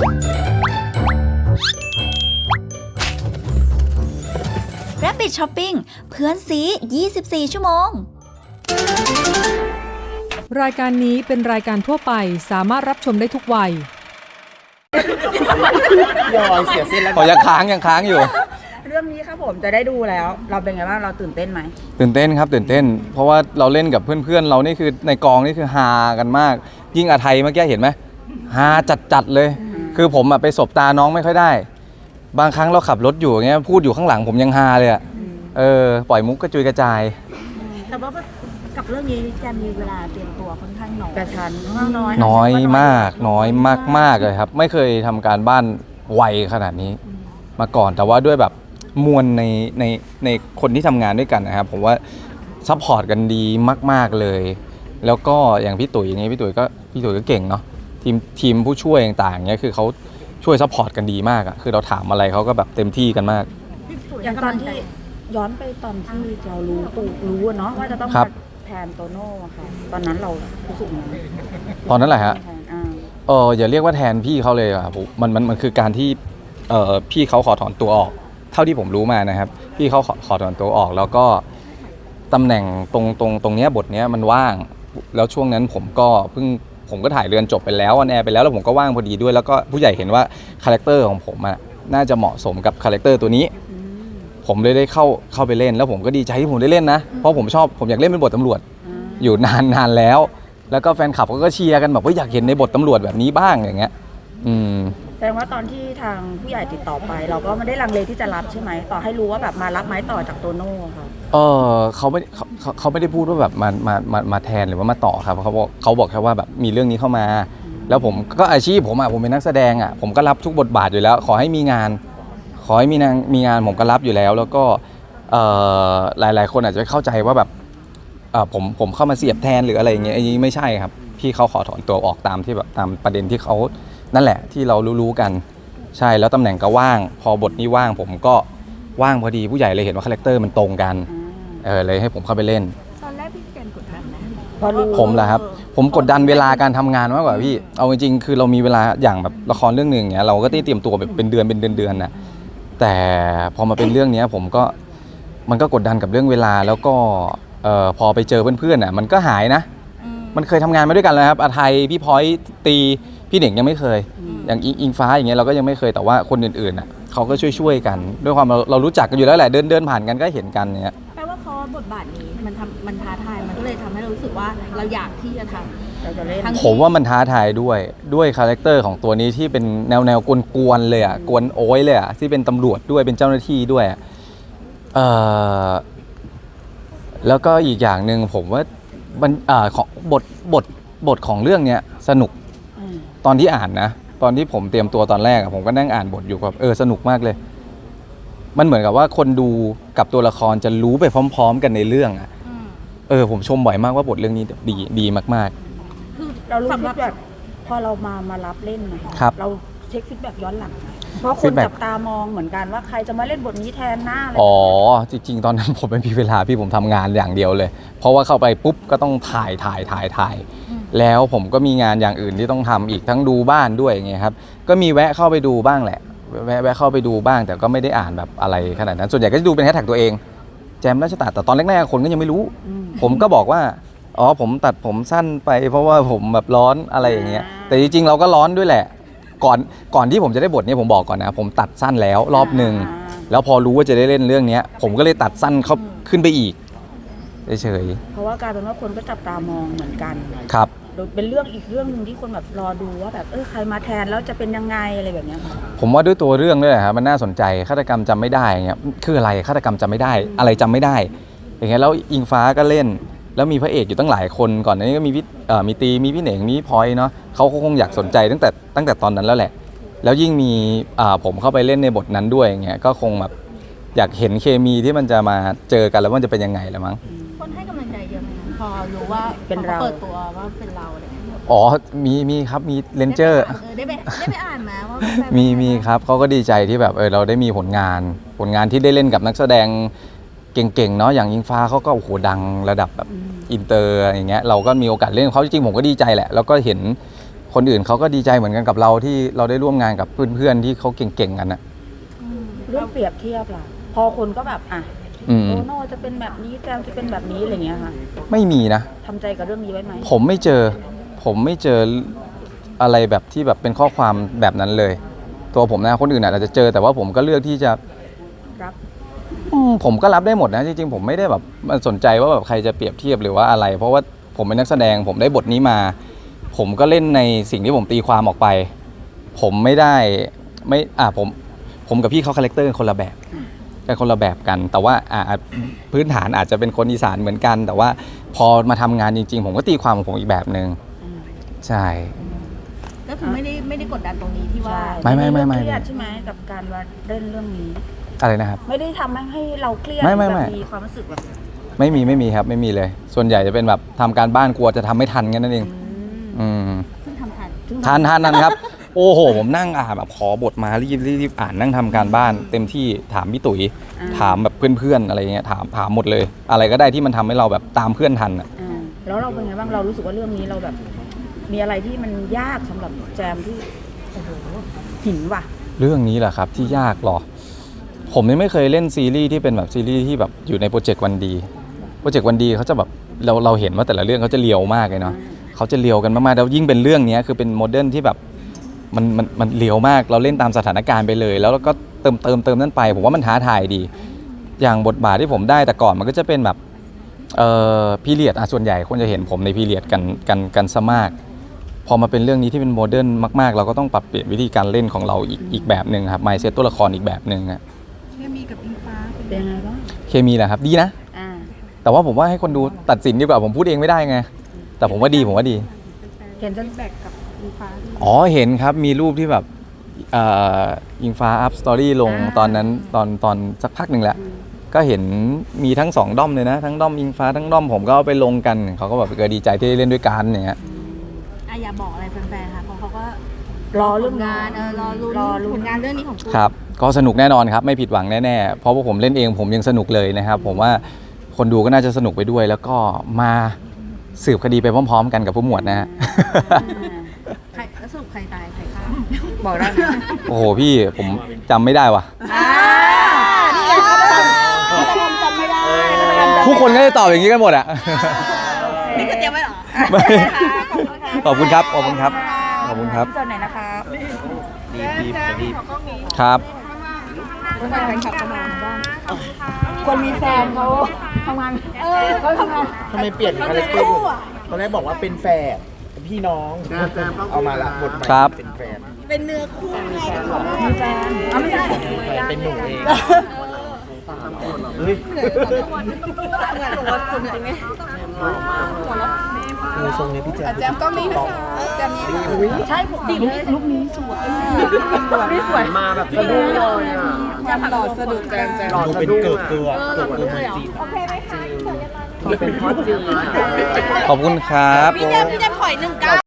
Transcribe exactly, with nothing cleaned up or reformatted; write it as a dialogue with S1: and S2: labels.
S1: Rabbit Shopping เพื่อนซียี่สิบสี่ชั่วโมง
S2: รายการนี้เป็นรายการทั่วไปสามารถรับชมได้ทุกวัย
S3: ยอยเสียเส้นแล้ว
S4: ขอยังค้างยังค้างอยู่
S5: เรื่องนี้ครับผมจะได้ดูแล้วเราเป็นไงบ้างเราตื่นเต้นไหม
S4: ตื่นเต้นครับตื่นเต้นเพราะว่าเราเล่นกับเพื่อนๆเรานี่คือในกองนี่คือฮากันมากยิ่งอาไทยเมื่อกี้เห็นไหมฮาจัดๆเลยคือผมไปสบตาน้องไม่ค่อยได้บางครั้งเราขับรถอยู่อย่างเงี้ยพูดอยู่ข้างหลังผมยังฮาเลยอ่ะเออปล่อยมุกกระจุยกระจาย
S6: แต่ว่ากับเรื่องนี้จะมีเวลาเตรียมตัวค่อนข้างน้อย
S5: กระชั้น
S6: น้อย
S4: น้อยมากน้อยมากๆเลยครับไม่เคยทำการบ้านไวขนาดนี้มาก่อนแต่ว่าด้วยแบบมวลในในในคนที่ทำงานด้วยกันนะครับผมว่าซัพพอร์ตกันดีมากๆเลยแล้วก็อย่างพี่ตุ๋ยอย่างนี้พี่ตุ๋ยก็พี่ตุ๋ยก็เก่งเนาะทีมทีมผู้ช่วยต่างๆเนี้ยคือเขาช่วยซัพพอร์ตกันดีมากอะคือเราถามอะไรเขาก็แบบเต็มที่กันมาก
S5: อย่างตอนที่ย้อนไปตอนที่เรารู้ตูรู้เนาะว่าจะต้องแทนโตโน่ค่ะตอนนั้นเรารู้สึกยังไง
S4: ตอนนั้นแหละฮะเอออย่าเรียกว่าแทนพี่เขาเลยครับมันมันมันคือการที่เออพี่เขาขอถอนตัวออกเท่าที่ผมรู้มานะครับพี่เขาขอขอถอนตัวออกแล้วก็ตำแหน่งตรงตรงตรงเนี้ยบทเนี้ยมันว่างแล้วช่วงนั้นผมก็เพิ่งผมก็ถ่ายเรือนจบไปแล้วออนแอร์ไปแล้วแล้วผมก็ว่างพอดีด้วยแล้วก็ผู้ใหญ่เห็นว่าคาแรคเตอร์ของผมอ่ะน่าจะเหมาะสมกับคาแรคเตอร์ตัวนี้ผมเลยได้เข้าเข้าไปเล่นแล้วผมก็ดีใจที่ผมได้เล่นนะเพราะผมชอบผมอยากเล่นเป็นบทตำรวจอยู่นานนานแล้วแล้วก็แฟนคลับก็เชียร์กันแบบว่าอยากเห็นในบทตำรวจแบบนี้บ้างอย่างเงี้ยอืม
S5: แสดงว่าตอนที่ทางผู้ใหญ่ติดต่อไปเราก็ไม่ได้ลังเลที่จะรับใช่ไหมต่อให้รู้ว่าแบบมารับไม้ต่อจากโตโน่ค่ะ
S4: เออเขาไม่เขาเขาไม่ได้พูดว่าแบบมามามามาแทนหรือว่ามาต่อครับเขาบอกเขาบอกแค่ว่าแบบมีเรื่องนี้เข้ามาแล้วผมก็อาชีพผมอ่ะผมเป็นนักแสดงอ่ะผมก็รับทุกบทบาทอยู่แล้วขอให้มีงานขอให้มีงานมีงานผมก็รับอยู่แล้วแล้วก็เอ่อหลายๆคนอาจจะเข้าใจว่าแบบเอ่อผมผมเข้ามาเสียบแทนหรืออะไรอย่างเงี้ยอันนี้ไม่ใช่ครับพี่เขาขอถอนตัวออกตามที่แบบตามประเด็นที่เขานั่นแหละที่เรารู้ๆกันใช่แล้วตำแหน่งก็ว่างพอบทนี้ว่างผมก็ว่างพอดีผู้ใหญ่เลยเห็นว่าคาแรคเตอร์มันตรงกันเออเลยให้ผมเข้าไปเล่น
S6: ตอนแรกพี่เจนกดดันนะ
S4: ผมแหละครับผมกดดันเวลาการทำงานมากกว่าพี่เอาจริงๆคือเรามีเวลาอย่างแบบละครเรื่องนึงเนี้ยเราก็ต้องเตรียมตัวแบบเป็นเดือนเป็นเดือนๆนะแต่พอมาเป็นเรื่องนี้ผมก็มันก็กดดันกับเรื่องเวลาแล้วก็เอ่อพอไปเจอเพื่อนๆอ่ะมันก็หายนะมันเคยทำงานมาด้วยกันแล้วครับอาไทยพี่พอยตีพี่เหน่งยังไม่เคยอย่างอิงฟ้าอย่างเงี้ยเราก็ยังไม่เคยแต่ว่าคนอื่นๆอ่ะเขาก็ช่วยๆกันด้วยความเราเรารู้จักกันอยู่แล้วแหละเดินเดินผ่านกันก็เห็นกันเนี้ย
S6: แปลว่าเพราะบทบาทนี้มันทำมันท้าทายมันก็เลยทำให้เรารู้สึกว่าเราอยากที่จะทำเราจะเล่น
S4: ผมว่ามันท้าทายด้วยด้วยคาแรคเตอร์ของตัวนี้ที่เป็นแนวแนวกวนๆเลยอ่ะกวนโอ้ยเลยอ่ะที่เป็นตำรวจด้วยเป็นเจ้าหน้าที่ด้วยเอ่อแล้วก็อีกอย่างหนึ่งผมว่ามันอ่าของบทบทบทของเรื่องเนี้ยสนุกตอนที่อ่านนะตอนที่ผมเตรียมตัวตอนแรกผมก็นั่งอ่านบทอยู่แบบเออสนุกมากเลยมันเหมือนกับว่าคนดูกับตัวละครจะรู้ไปพร้อมๆกันในเรื่องอ่ะเออผมชมบ่อยมากว่าบทเรื่องนี้ดีดีมาก
S5: ๆคือเรารู้สึกแบบพอเรามามารับเล่นนะคะเราเช็คฟีดแบ็กย้อนหลังเพราะคนจับตามองเหมือนกันว่าใครจะมาเล่นบทนี้แทนหน้าอะไร
S4: อ๋อจริงๆตอนนั้นผมไม่มีเวลาพี่ผมทำงานอย่างเดียวเลยเพราะว่าเข้าไปปุ๊บก็ต้องถ่ายถ่ายถ่ายถ่ายแล้วผมก็มีงานอย่างอื่นที่ต้องทำอีกทั้งดูบ้านด้วยอย่างเงี้ยครับก็มีแวะเข้าไปดูบ้างแหละแวะแวะเข้าไปดูบ้างแต่ก็ไม่ได้อ่านแบบอะไรขนาดนั้นส่วนใหญ่ก็จะดูเป็นแฮชแท็กตัวเองแจมราชตาแต่ตอนแรกๆคนก็ยังไม่รู้ผมก็บอกว่าอ๋อผมตัดผมสั้นไปเพราะว่าผมแบบร้อนอะไรอย่างเงี้ยแต่จริงๆเราก็ร้อนด้วยแหละก่อนก่อนที่ผมจะได้บทนี้ผมบอกก่อนนะผมตัดสั้นแล้วรอบนึงแล้วพอรู้ว่าจะได้เล่นเรื่องนี้ผมก็เลยตัดสั้นเขาขึ้นไปอีกเฉย
S5: ๆเพราะว่ากลายเป็นว่าคนก็จับตามองเหมือนกัน
S4: ครับ
S5: เป็นเรื่องอีกเรื่องนึงที่คนแบบรอดูว่าแบบเออใครมาแทนแล้วจะเป็นยังไงอะไรแบบนี้ค่ะ
S4: ผมว่าด้วยตัวเรื่องด้วยครับมันน่าสนใจฆาตกรรมจำไม่ได้เงี้ยคืออะไรฆาตกรรมจำไม่ได้อะไรจำไม่ได้อย่างเงี้ยแล้วอิงฟ้าก็เล่นแล้วมีพระเอกอยู่ตั้งหลายคนก่อนหน้านี้ก็มีพี่เอ่อมีตีมีพี่เหน่งมีพี่พลอยเนาะเขาคงอยากสนใจตั้งแต่ตั้งแต่ตอนนั้นแล้วแหละแล้วยิ่งมีอ่าผมเข้าไปเล่นในบทนั้นด้วยอย่างเงี้ยก็คงแบบอยากเห็นเคมีที่มันจะมาเจอกันแล้วมันจะเป็นยังไงละมั้ง
S6: คนให้กำลังใจเยอะไหมพอรู้ว่าเป็นเราเปิดตัวว่าเป็นเราอะไร
S4: อ๋อมีมีครับมีเลนเจอร์
S6: ได้ไปได้ไปอ่านมาว่า
S4: มีมีครับเขาก็ดีใจที่แบบเออเราได้มีผลงานผลงานที่ได้เล่นกับนักแสดงเก่งๆเนาะอย่างอิงฟ้าเขาก็โอ้โหดังระดับแบบอินเตอร์อย่างเงี้ยเราก็มีโอกาสเล่นเขาจริงๆผมก็ดีใจแหละแล้วก็เห็นคคนอื่นเขาก็ดีใจเหมือนกันกับเราที่เราได้ร่วมงานกับเพื่อนๆที่เขาเก่งๆกันนะ
S5: เรื่องเปรียบเทียบล่ะพอคนก็แบบอ่ะ
S4: อืม
S5: โตโน่จะเป็นแบบนี้แจมจะเป็นแบบนี้อะไรเงี้ยค่ะ
S4: ไม่มีนะ
S5: ทำใจกับเรื่องนี้ไว้ไหม
S4: ผมไม่เจอ ผมไม่เจออะไรแบบที่แบบเป็นข้อความแบบนั้นเลย ตัวผมนะคนอื่นอาจจะเจอแต่ว่าผมก็เลือกที่จะ
S5: รับ
S4: อืมผมก็รับได้หมดนะจริงๆผมไม่ได้แบบมันสนใจว่าแบบใครจะเปรียบเทียบหรือว่าอะไร เพราะว่าผมเป็นนักแสดงผมได้บทนี้มา ผมก็เล่นในสิ่งที่ผมตีความออกไป ผมไม่ได้ไม่อ่าผมผมกับพี่เขาคาแรคเตอร์คนละแบบเป็นคนละแบบกัน แต่ว่าอ่าพื้นฐานอาจจะเป็นคนอีสานเหมือนกัน แต่ว่าพอมาทำงานจริงๆ ผมก็ตีความของผมอีกแบบหนึ่งใช่
S6: ก็คือไม่ได้ไม่ได้กดดันตรงนี้ที่ว่า
S4: ไม่ไม่ไม่ไม่
S5: เครียดใช่ไหมกับการว่าเล่นเรื่องนี้
S4: อะไรนะครับ
S5: ไม่ได้ทำให้เราเครียด
S4: ไม่ไม่ไม่
S5: แบบมีความรู้สึกแบบ
S4: ไม่มีไม่มีครับไม่มีเลย ส่วนใหญ่จะเป็นแบบทำการบ้านกลัวจะทำไม่ทันแค่นั้นเอง
S5: อืม
S4: อืม
S6: ซึ่งทำทัน
S4: ทันทันทันครับ โอ้โห ผมนั่งอ่านแบบขอบทมารีบรีบรีบอ่านนั่งทำการบ้าน เต็มที่ถามพี่ตุ๋ย
S5: อ่า
S4: ถามแบบเพื่อนๆอะไรเงี้ยถามถามหมดเลย อะไรก็ได้ที่มันทำให้เราแบบตามเพื่อนทันอ่ะ
S5: อ่าแล้วเราเป็นไงบ้างเรารู้สึกว่าเรื่องนี้เราแบบ มีอะไรที่มันยากสำหรับแจมที่โอ้โหหินว่ะ
S4: เรื่องนี้แหละครับที่ยากหรอ ผมยังไม่เคยเล่นซีรีส์ที่เป็นแบบซีรีส์ที่แบบอยู่ในโปรเจกต์วันดีโปรเจกต์วันดีเขาจะแบบเราเราเห็นว่าแต่ละเรื่องเขาจะเลียวมากเลยเนาะเขาจะเลียวกันมากๆแล้วยิ่งเป็นเรื่องนี้คือเป็นโมเดิร์นที่แบบมันมันมันเลียวมากเราเล่นตามสถานการณ์ไปเลย แล้วเราก็เติมเติมเติมนั่นไปผมว่ามันท้าทายดี อย่างบทบาทที่ผมได้แต่ก่อนมันก็จะเป็นแบบเอ่อพีเรียดอ่ะส่วนใหญ่คนจะเห็นผมในพีเรียดกันกันกันซะมากพอมาเป็นเรื่องนี้ที่เป็นโมเดิร์นมากๆ เราก็ต้องปรับเปลี่ยนวิธีการเล่นของเราอีกอีกแบบหนึ่งครับมายเซตตัวละครอีกแบบหนึ่งอะ
S6: เคมีกับอิงฟ้า
S5: เป็นยังไงบ้าง
S4: เคมีแหละครับดีนะ
S5: อ่า
S4: แต่ว่าผมว่าให้คนดูตัดสินดีกว่าผมพูดเองไม่ได้ไงแต่ผมว่าดีผมว่าดี
S5: เห็นจน
S6: แบกกับอิงฟ้าด้วย
S4: อ๋อเห็นครับมีรูปที่แบบเอ่อยิงฟ้าอัพสตอรี่ลงตอนนั้นตอนตอนสักพักหนึ่งแหละก็เห็นมีทั้งสองด้อมเลยนะทั้งด้อมอิงฟ้าทั้งด้อมผมก็เอาไปลงกันเขาก็แบบเกิดดีใจที่ได้เล่นด้วยกันอย่างเงี้ย
S6: อ่ะอย่าบอกอะไรแฟนๆค่ะเพราะเขาก็
S5: รอเรื่อง
S6: งานเออรอลุ้น
S5: รอลุ้
S6: ผ
S5: น
S6: ลงานเรื่องนี้ของคุณ
S4: ครับก็สนุกแน่นอนครับไม่ผิดหวังแน่ๆเพราะว่าผมเล่นเองผมยังสนุกเลยนะครับผมว่าคนดูก็น่าจะสนุกไปด้วย แล้วก็มาสืบคดีไปพร้อมๆ กันกับผู้หมวดนะฮะ
S6: ใครแล้วสรุปใครตายใครฆ่า
S5: บอกได้ไหม
S4: โอ้โหพี่ผมจำไม่ได้ว่ะ
S5: อ่านี่ไงเขาจะทำจำไม่ได้
S4: ทุกคนก็จะตอบอย่างนี้กันหมดอะ
S6: นี่คือเตรียมไว้เหรอ
S4: ไม่ขอบคุณครับขอบคุณครับขอบคุณครับ
S5: ส่วนไหนนะคะ
S4: ครับ
S5: คนแฟนคลับทำงานบ้างคนมีแฟนเขาทำงานเออเขาทำงาน
S3: ทำไมเปลี่ยนคาแรคเตอร์ตอนแรกบอกว่าเป็นแฝดเป็นพี่น้อง เอามาละบทใหม่
S4: ครับ
S3: เป็นแฝด
S6: เป็นเนื้อคู่ไง
S5: มีแฟนเอาไม่ใช่
S3: เป็นหนูเองเฮ้ยมือทรงนี้พี่แจ๊คแจ๊มก็มีนะคะแจ๊มนี้
S5: ใช่ผมลุกลุกนี้สวยนี่สวย
S3: มาแบบสะดุ้งเลยอ่ะหล่อสะดุดแจมแจมดูเป็นเกิดเกลือเกิดเกลือจีนโอเคไหมคะเป็นพ่อจีน
S4: ขอบคุณครับ
S6: พี่แจมพี่แจมถอยหนึ่งเก้า